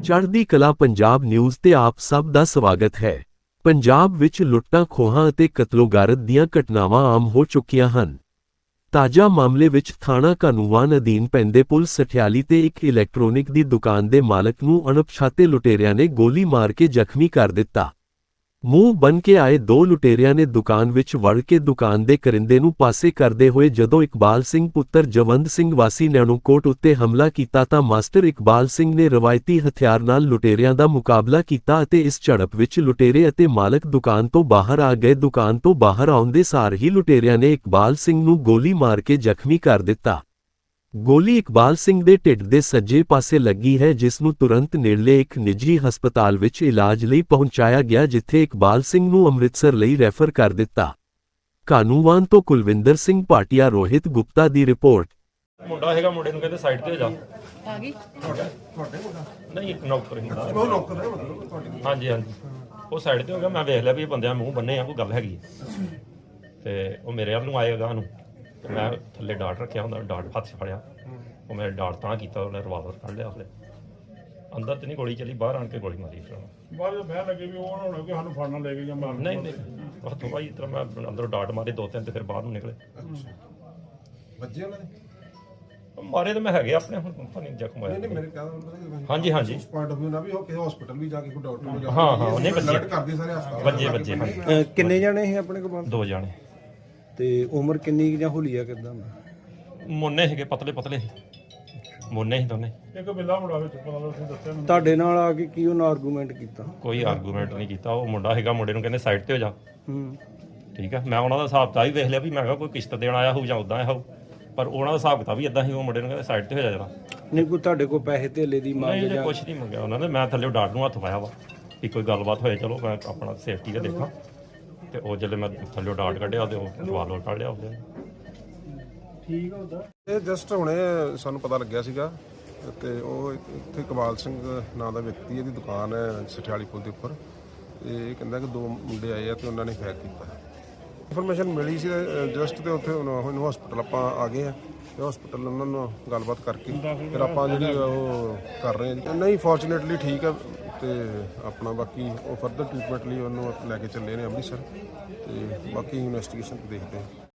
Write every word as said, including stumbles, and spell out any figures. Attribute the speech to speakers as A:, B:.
A: ਚੜ੍ਹਦੀ ਕਲਾ ਪੰਜਾਬ ਨਿਊਜ਼ ਤੇ ਆਪ ਸਭ ਦਾ ਸਵਾਗਤ ਹੈ। ਪੰਜਾਬ ਵਿੱਚ ਲੁੱਟਾਂ ਖੋਹਾਂ ਅਤੇ ਕਤਲੋਗਾਰਤ ਦੀਆਂ ਘਟਨਾਵਾਂ ਆਮ ਹੋ ਚੁੱਕੀਆਂ ਹਨ। ਤਾਜ਼ਾ ਮਾਮਲੇ ਵਿੱਚ ਥਾਣਾ ਕਾਹਨੂੰਵਾਨ ਅਧੀਨ ਪੈਂਦੇ ਪੁਲ ਸਠਿਆਲੀ ਤੇ ਇੱਕ ਇਲੈਕਟ੍ਰੋਨਿਕ ਦੀ ਦੁਕਾਨ ਦੇ ਮਾਲਕ ਨੂੰ ਅਣਪਛਾਤੇ ਲੁਟੇਰਿਆਂ ਨੇ ਗੋਲੀ ਮਾਰ ਕੇ ਜ਼ਖਮੀ ਕਰ ਦਿੱਤਾ। ਮੂੰਹ ਬੰਨ੍ਹ ਕੇ ਆਏ ਦੋ ਲੁਟੇਰਿਆਂ ਨੇ ਦੁਕਾਨ ਵਿੱਚ ਵੜ ਕੇ ਦੁਕਾਨ ਦੇ ਕਰਿੰਦੇ ਨੂੰ ਪਾਸੇ ਕਰਦੇ ਹੋਏ ਜਦੋਂ ਇਕਬਾਲ ਸਿੰਘ ਪੁੱਤਰ ਜਵੰਦ ਸਿੰਘ ਵਾਸੀ ਨੈਣੂਕੋਟ ਉੱਤੇ ਹਮਲਾ ਕੀਤਾ ਤਾਂ ਮਾਸਟਰ ਇਕਬਾਲ ਸਿੰਘ ਨੇ ਰਵਾਇਤੀ ਹਥਿਆਰ ਨਾਲ ਲੁਟੇਰਿਆਂ ਦਾ ਮੁਕਾਬਲਾ ਕੀਤਾ ਅਤੇ ਇਸ ਝੜਪ ਵਿੱਚ ਲੁਟੇਰੇ ਅਤੇ ਮਾਲਕ ਦੁਕਾਨ ਤੋਂ ਬਾਹਰ ਆ ਗਏ। ਦੁਕਾਨ ਤੋਂ ਬਾਹਰ ਆਉਂਦੇ ਸਾਰ ਹੀ ਲੁਟੇਰਿਆਂ ਨੇ ਇਕਬਾਲ ਸਿੰਘ ਨੂੰ ਗੋਲੀ ਮਾਰ ਕੇ ਜ਼ਖਮੀ ਕਰ ਦਿੱਤਾ। ਗੋਲੀ ਇਕਬਾਲ ਸਿੰਘ ਦੇ ਢਿੱਡ ਦੇ ਸੱਜੇ ਪਾਸੇ ਲੱਗੀ ਹੈ, ਜਿਸ ਨੂੰ ਤੁਰੰਤ ਨੇੜਲੇ ਇੱਕ ਨਿੱਜੀ ਹਸਪਤਾਲ ਵਿੱਚ ਇਲਾਜ ਲਈ ਪਹੁੰਚਾਇਆ ਗਿਆ, ਜਿੱਥੇ ਇਕਬਾਲ ਸਿੰਘ ਨੂੰ ਅੰਮ੍ਰਿਤਸਰ ਲਈ ਰੈਫਰ ਕਰ ਦਿੱਤਾ। ਕਾਹਨੂੰਵਾਨ ਤੋਂ ਕੁਲਵਿੰਦਰ ਸਿੰਘ ਭਾਟੀਆ, ਰੋਹਿਤ ਗੁਪਤਾ ਦੀ ਰਿਪੋਰਟ।
B: ਮੁੰਡਾ ਹੈਗਾ, ਮੁੰਡੇ ਨੂੰ ਕਹਿੰਦੇ ਸਾਈਡ ਤੇ ਹੋ ਜਾ।
C: ਆ ਗਈ
B: ਤੁਹਾਡੇ ਤੁਹਾਡੇ ਮੁੰਡਾ ਨਹੀਂ, ਇੱਕ ਨੌਕਰ ਹੀ ਮੁੰਡਾ।
D: ਉਹ ਨੌਕਰ ਹੈ ਮਤਲਬ ਤੁਹਾਡੀ?
B: ਹਾਂਜੀ ਹਾਂਜੀ, ਉਹ ਸਾਈਡ ਤੇ ਹੋ ਗਿਆ। ਮੈਂ ਵੇਖ ਲਿਆ ਵੀ ਇਹ ਬੰਦਿਆਂ ਮੂੰਹ ਬੰਨੇ ਆ, ਕੋਈ ਗੱਲ ਹੈਗੀ ਤੇ ਉਹ ਮੇਰੇ ਵੱਲ ਨੂੰ ਆਏਗਾ ਨੂੰ ਤੇ ਮੈਂ ਥੱਲੇ ਡਾਟ ਰੱਖਿਆ ਹੁੰਦਾ, ਡਾਟ ਹੱਥ 'ਚ ਫੜਿਆ। ਉਹ ਮੇਰੇ ਡਾਟ ਤਾਂ ਕੀਤਾ, ਉਹਨੇ ਰਿਵਾਲਵਰ ਕੱਢ ਲਿਆ। ਉਹਨੇ ਅੰਦਰ ਤੇ ਨਹੀਂ ਗੋਲੀ ਚੱਲੀ, ਬਾਹਰ ਆਣ ਕੇ ਗੋਲੀ ਮਾਰੀ। ਫਿਰ
D: ਬਾਅਦ ਵਿੱਚ ਬਹਿ ਲੱਗੇ ਵੀ ਉਹ ਨਾ ਹੋਣਾ ਕਿ ਸਾਨੂੰ ਫੜਨਾ ਲੈ ਕੇ ਜਾਂ ਮਾਰਨ।
B: ਨਹੀਂ ਨਹੀਂ, ਉਹ ਤੋਂ ਬਾਅਦ ਇਸ ਤਰ੍ਹਾਂ ਮੈਂ ਅੰਦਰੋਂ ਡਾਟ ਮਾਰੇ ਦੋ ਤਿੰਨ ਤੇ ਫਿਰ ਬਾਹਰ ਨੂੰ ਨਿਕਲੇ।
D: ਵੱਜੇ ਉਹਨਾਂ ਦੇ?
B: ਮਾਰੇ ਤਾਂ ਮੈਂ ਹੈਗੇ ਆਪਣੇ, ਹੁਣ ਪਤਾ ਨਹੀਂ ਜ਼ਖਮ ਹੋਇਆ।
D: ਨਹੀਂ ਮੇਰੇ ਕਹਿੰਦਾ
B: ਹਾਂਜੀ ਹਾਂਜੀ,
D: ਪੁਆਇੰਟ ਆਫ View ਨਾ ਵੀ ਉਹ ਕਿਸੇ ਹਸਪੀਟਲ ਵੀ ਜਾ ਕੇ ਕੋਈ ਡਾਕਟਰ ਨੂੰ ਜਾ
B: ਹਾਂ ਹਾਂ, ਉਹਨੇ ਵੱਜੇ
D: ਕਰਦੇ ਸਾਰੇ ਹਸਪਤਾਲ
B: ਵੱਜੇ ਵੱਜੇ ਹਾਂਜੀ।
E: ਅਹ ਕਿੰਨੇ ਜਾਣੇ ਸੀ ਆਪਣੇ ਕੋਲ?
B: ਦੋ ਜਾਣੇ।
E: ਤੇ ਉਮਰ ਕਿੰਨੀ ਕੁ ਜਾਂ ਹੁਲੀਆ ਕਿਦਾਂ?
B: ਮੋਨੇ ਸੀਗੇ, ਪਤਲੇ ਪਤਲੇ ਮੋਨੇ ਸੀ ਦੋਨੇ।
D: ਇੱਕ ਬਿੱਲਾ ਮੁੰਡਾ ਵਿੱਚ ਪਤਾ ਲੱਗ ਤੁਸੀਂ ਦੱਸਿਆ ਮੈਨੂੰ।
E: ਤੁਹਾਡੇ ਨਾਲ ਆ ਕੇ ਕੀ ਉਹਨਾਂ ਆਰਗੂਮੈਂਟ ਕੀਤਾ?
B: ਕੋਈ ਆਰਗੂਮੈਂਟ ਨਹੀਂ ਕੀਤਾ। ਉਹ ਮੁੰਡਾ ਹੈਗਾ, ਮੁੰਡੇ ਨੂੰ ਕਹਿੰਦੇ ਸਾਈਡ ਤੇ ਹੋ ਜਾ।
E: ਹੂੰ,
B: ਠੀਕ ਆ, ਮੈਂ ਉਹਨਾਂ ਦਾ ਹਿਸਾਬ ਤਾਂ ਵੀ ਵੇਖ ਲਿਆ ਵੀ ਮੈਂ ਕਿਹਾ ਕੋਈ ਕਿਸ਼ਤ ਦੇਣ ਆਇਆ ਹੋਊ ਜਾਂ ਉਦਾਂ ਆਇਆ ਹੋਊ, ਪਰ ਉਹਨਾਂ ਦਾ ਹਿਸਾਬ ਕਿਤਾਬ ਵੀ ਇਦਾਂ ਸੀ। ਉਹ ਮੁੰਡੇ ਨੂੰ ਕਹਿੰਦੇ ਸਾਈਡ ਤੇ ਹੋ ਜਾ ਜਰਾ।
E: ਨਹੀਂ ਕੋਈ ਤੁਹਾਡੇ ਕੋਲ ਪੈਸੇ ਧੇਲੇ ਦੀ ਮੰਗ
B: ਨਹੀਂ,
E: ਜਾਂ?
B: ਕੁਛ ਨਹੀਂ ਮੰਗਿਆ ਉਹਨਾਂ ਨੇ। ਮੈਂ ਥੱਲੇ ਡਾਟ ਨੂੰ ਹੱਥ ਪਾਇਆ ਵਾ ਕਿ ਕੋਈ ਗੱਲਬਾਤ ਹੋਏ, ਚਲੋ ਮੈਂ ਆਪਣਾ ਸੇਫਟੀ ਦਾ ਦੇਖਾਂ। ਤੇ ਉਹ ਜਦੋਂ ਮੈਂ ਥੱਲੇ ਡਾਟ ਕੱਢਿਆ ਤੇ ਉਹ ਰਿਵਾਲਵਰ ਕੱਢ ਲਿਆ ਉਹਦੇ।
E: ਠੀਕ ਹੁੰਦਾ।
D: ਇਹ ਜਸਟ ਹੁਣੇ ਸਾਨੂੰ ਪਤਾ ਲੱਗਿਆ ਸੀਗਾ ਤੇ ਉਹ ਇੱਥੇ ਇਕਬਾਲ ਸਿੰਘ ਨਾਂ ਦਾ ਵਿਅਕਤੀ, ਇਹਦੀ ਦੁਕਾਨ ਹੈ ਸਠਿਆਲੀ ਪੁਲ ਦੇ ਉੱਪਰ। ਤੇ ਇਹ ਕਹਿੰਦਾ ਕਿ ਦੋ ਮੁੰਡੇ ਆਏ ਆ ਤੇ ਉਹਨਾਂ ਨੇ ਫਾਇਰ ਕੀਤਾ। ਇਨਫੋਰਮੇਸ਼ਨ ਮਿਲੀ ਸੀ ਜਸਟ, ਤੇ ਉੱਥੇ ਹੁਣ ਹਸਪੀਟਲ ਆਪਾਂ ਆ ਗਏ ਆ ਤੇ ਹਸਪੀਟਲ ਉਹਨਾਂ ਨੂੰ ਗੱਲਬਾਤ ਕਰਕੇ ਫਿਰ ਆਪਾਂ ਜਿਹੜੀ ਉਹ ਕਰ ਰਹੇ ਹਾਂ। ਨਹੀਂ, ਫੋਰਚੂਨੇਟਲੀ ਠੀਕ ਹੈ ਤੇ ਆਪਣਾ ਬਾਕੀ ਉਹ ਫਰਦਰ ਟ੍ਰੀਟਮੈਂਟ ਲਈ ਉਹਨੂੰ ਲੈ ਕੇ ਚੱਲੇ ਨੇ ਅੰਮ੍ਰਿਤਸਰ ਤੇ ਬਾਕੀ ਇਨਵੈਸਟੀਗੇਸ਼ਨ ਦੇਖਦੇ ਹਾਂ।